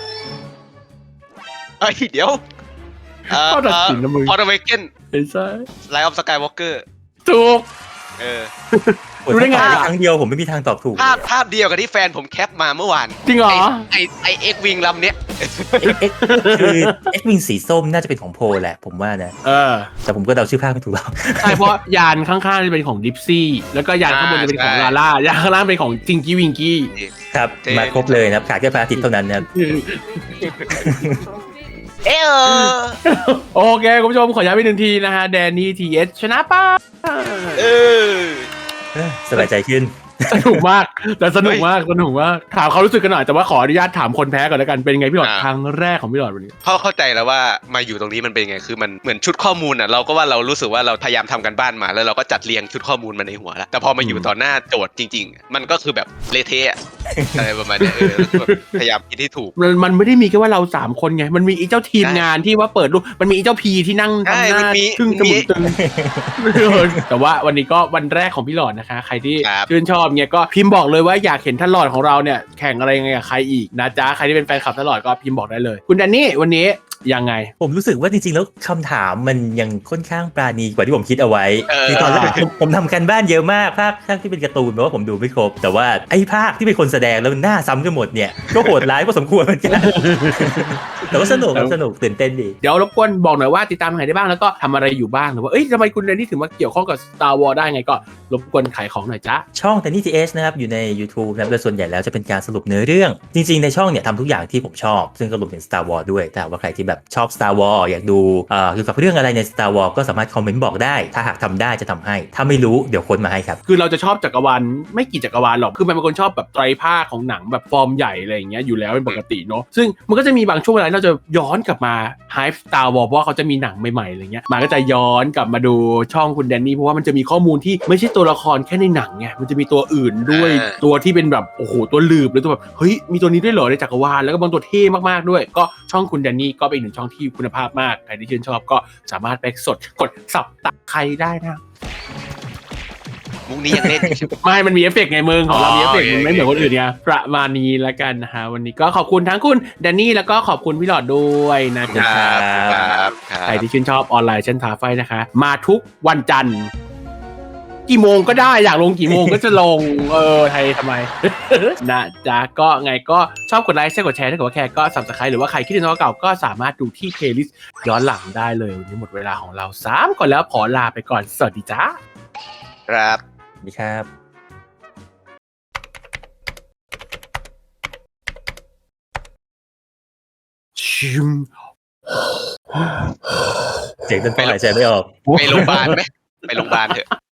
Speaker 4: เอ้ยเดี๋ยวเอ่อ
Speaker 2: ข้อตัดสินนะมึง
Speaker 4: พอร์เวเกน
Speaker 2: ไม่ใช่
Speaker 4: ไลท์ออฟสกายวอล์กเกอร์
Speaker 2: ถูก
Speaker 4: เออ
Speaker 2: รู้ได้ไง
Speaker 3: ถ้าตอบครั้งเดียวผมไม่มีทางตอบถูก
Speaker 4: ภาพภาพเดียวกับที่แฟนผมแคปมาเมื่อวาน
Speaker 2: จริงเหรอ
Speaker 4: ไอไอเอ็กวิงลำเนี้ย
Speaker 3: เอ็กเอ็กคือเอ็กวิงสีส้มน่าจะเป็นของโพลแหละผมว่านะ
Speaker 2: เออ
Speaker 3: แต่ผมก็เดาชื่อภาคไม่ถูกหรอก
Speaker 2: ใช่เพราะยานข้างๆจะเป็นของดิฟซี่แล้วก็ยานข้างบนจะเป็นของ
Speaker 4: อ่าใช่
Speaker 2: ลาล่ายานข้างล่างเป็นของจิงกี้วิงกี้
Speaker 3: ครับ
Speaker 4: เท่
Speaker 3: มาครบเลยนะครับขาดแค่พระอาทิตย์เท่านั้นนะครับ
Speaker 4: เออ
Speaker 2: โอเคคุณผู้ชมขอย้ำอีกหนึ่งทีนะฮะแดนนี่ทีเอสชนะป้า
Speaker 4: เออ
Speaker 3: เอ้ยสบายใจขึ้น
Speaker 2: สนุกมากแต่สนุกมากสนุกมากถามเขารู้สึกกันหน่อยแต่ว่าขออนุญาตถามคนแพ้ก่อนแล้วกันเป็นไงพี่หลอด
Speaker 4: อ่า
Speaker 2: ครั้งแรกของพี่หลอดวันนี้
Speaker 4: เขาเข้าใจแล้วว่ามาอยู่ตรงนี้มันเป็นไงคือมันเหมือนชุดข้อมูลอ่ะเราก็ว่าเรารู้สึกว่าเราพยายามทำกันบ้านมาแล้วเราก็จัดเรียงชุดข้อมูลมาในหัวแล้วแต่พอมาอยู่ต่อหน้าโจทย์จริงๆ มันก็คือแบบเละเทะอะอะไรประมาณเนี้ยเออแบบพยายามคิดให้ถูก
Speaker 2: มันมันไม่ได้มีแค่ว่าเราสามคนไงมันมีอีเจ้าทีมงานที่ว่าเปิดรูปมันมีอีเจ้าพีที่นั่ง
Speaker 4: ใช่
Speaker 2: ทำห
Speaker 4: มั
Speaker 2: น้าน
Speaker 4: มี
Speaker 2: ทึ่ง
Speaker 4: มัน
Speaker 2: จ
Speaker 4: มี
Speaker 2: มูกตึง แต่ว่าวันนี้ก็วันแรกของพี่หลอดนะคะ ใครที่
Speaker 4: ครับ
Speaker 2: ชื่นชอบเนี่ยก็พิมพ์บอกเลยว่าอยากเห็นท่านหลอดของเราเนี่ยแข่งอะไรยังไงกับใครอีกนะจ๊ะใครที่เป็นแฟนคลับท่านหลอดก็พิมพ์บอกได้เลย คุณแดนนี่วันนี้ยังไง
Speaker 3: ผมรู้สึกว่าจริงๆแล้วคำถามมันยังค่อนข้างปราณีกว่าที่ผมคิดเอาไว้
Speaker 4: เออ
Speaker 3: ในตอนแรกผมผมทำกันบ้านเยอะมากภาคภาคที่เป็นการ์ตูนแปลว่าผมดูไม่ครบ แต่ว่าไอ้ภาคที่เป็นคนแสดงแล้วมันหน้าซ้ำกันหมดเนี่ยก็โหดร้ายพอสมควรเหมือนกัน แต่ว่าสนุกครับสนุกตื่นเต้นดี
Speaker 2: เดี๋ยวรบกวนบอกหน่อยว่าติดตามทางไหนได้บ้างแล้วก็ทำอะไรอยู่บ้างหรือว่าเอ้ยทำไมคุณแดนนี่ถึงมาเกี่ยวข้องกับ Star Wars ได้ไงก็รบกวนขายของหน่อยจ้ะ
Speaker 3: ช่อง Danny ที เอช นะครับอยู่ใน YouTube นะครับโดยส่วนใหญ่แล้วจะเป็นการสรุปเนื้อเรื่อง จริงๆในช่องเนี่ยทำทุกอย่างที่ผมชอบ ซึ่งก็รวมถึง Star Wars ด้วยแต่ว่าใครที่แบบชอบ Star Wars อยากดูเอ่อเกี่ยวกับเรื่องอะไรใน Star Wars ก็สามารถคอมเมนต์บอกได้ ถ้าหากทำได้จะทำให้ ถ้าไม่รู้เดี๋ยวค้นมาให้ครับ
Speaker 2: คือเราจะชอบจักรวาลไม่กี่จักรวาลหรอก คือมันเป็นคนชอบแบบไตรภาคของหนังแบบฟอร์มใหญ่อะไรอย่างเงี้ยอยู่แล้วเป็นปกติเนาะ ซึ่งมันก็จะมีบางช่วงเวลาที่เราจะย้อนกลับมาไฮป์ Star Wars เพราะว่าเขาจะมีหนังใหม่ๆอะไรเงี้ยมันก็จะย้อนกลับมาดูช่องคุณแดนนี่เพราะว่ามันจะมีข้อมูลที่ไม่ใช่ตัวละครแค่ในหนังไง มันจะมีตัวอื่นด้วย
Speaker 4: อ่า
Speaker 2: ตัวที่เป็นแบบโอ้โหตัวลืบหรือตัวแบบเฮ้ยมีตัวนี้ด้วยเหรอในจักรวาลแล้วก็บางตัวเท่มากๆด้วย ก็ช่องคุณแดนนี่ก็เป็นอีกหนึ่งช่องที่คุณภาพมากใครที่ชื่นชอบก็สามารถไปสดกดสับตักใครได้นะ
Speaker 4: มุกนี้ยังเล่นอยู่ใช่ไหม
Speaker 2: ไม่ มันมีเอฟเฟกต์ไงมึงของเรา
Speaker 4: อ๋อ
Speaker 2: มีเอฟเฟกต์
Speaker 4: โอเค
Speaker 2: มันไม่เหมือนคนอื่นไงประมาณนี้แล้วกันนะฮะวันนี้ก็ขอบคุณทั้งคุณแดนนี่แล้วก็ขอบคุณพี่หลอดด้วยนะ
Speaker 4: ค
Speaker 2: จ๊ะ
Speaker 4: รับครับครั
Speaker 2: ใคร
Speaker 4: บ
Speaker 2: ที่ชื่นชอบออนไลน์เช่นทาไฟนะคะ มาทุกวันจันทร์กี่โมงก็ได้อยากลงกี่โมงก็จะลง เออไทยทำไม นะจ๊ะก็ไงก็ชอบกดไลค์ใช่กดแชร์ถ้าเกิดว่าแคร์ก็สับสไครต์หรือว่าใครคิดถึงน้องเก่าก็สามารถดูที่เพลย์ลิสต์ย้อนหลังได้เลยวันนี้หมดเวลาของเราสามก่อนแล้วขอลาไปก่อนสวัสดีจ้า
Speaker 4: ครับ
Speaker 3: สวัสดีครับ
Speaker 2: ชิม
Speaker 3: เสียงต้นไม้หายใจไม่ออก
Speaker 4: ไปโรงพยาบาลไหมไปโรงพยาบาลเถอะ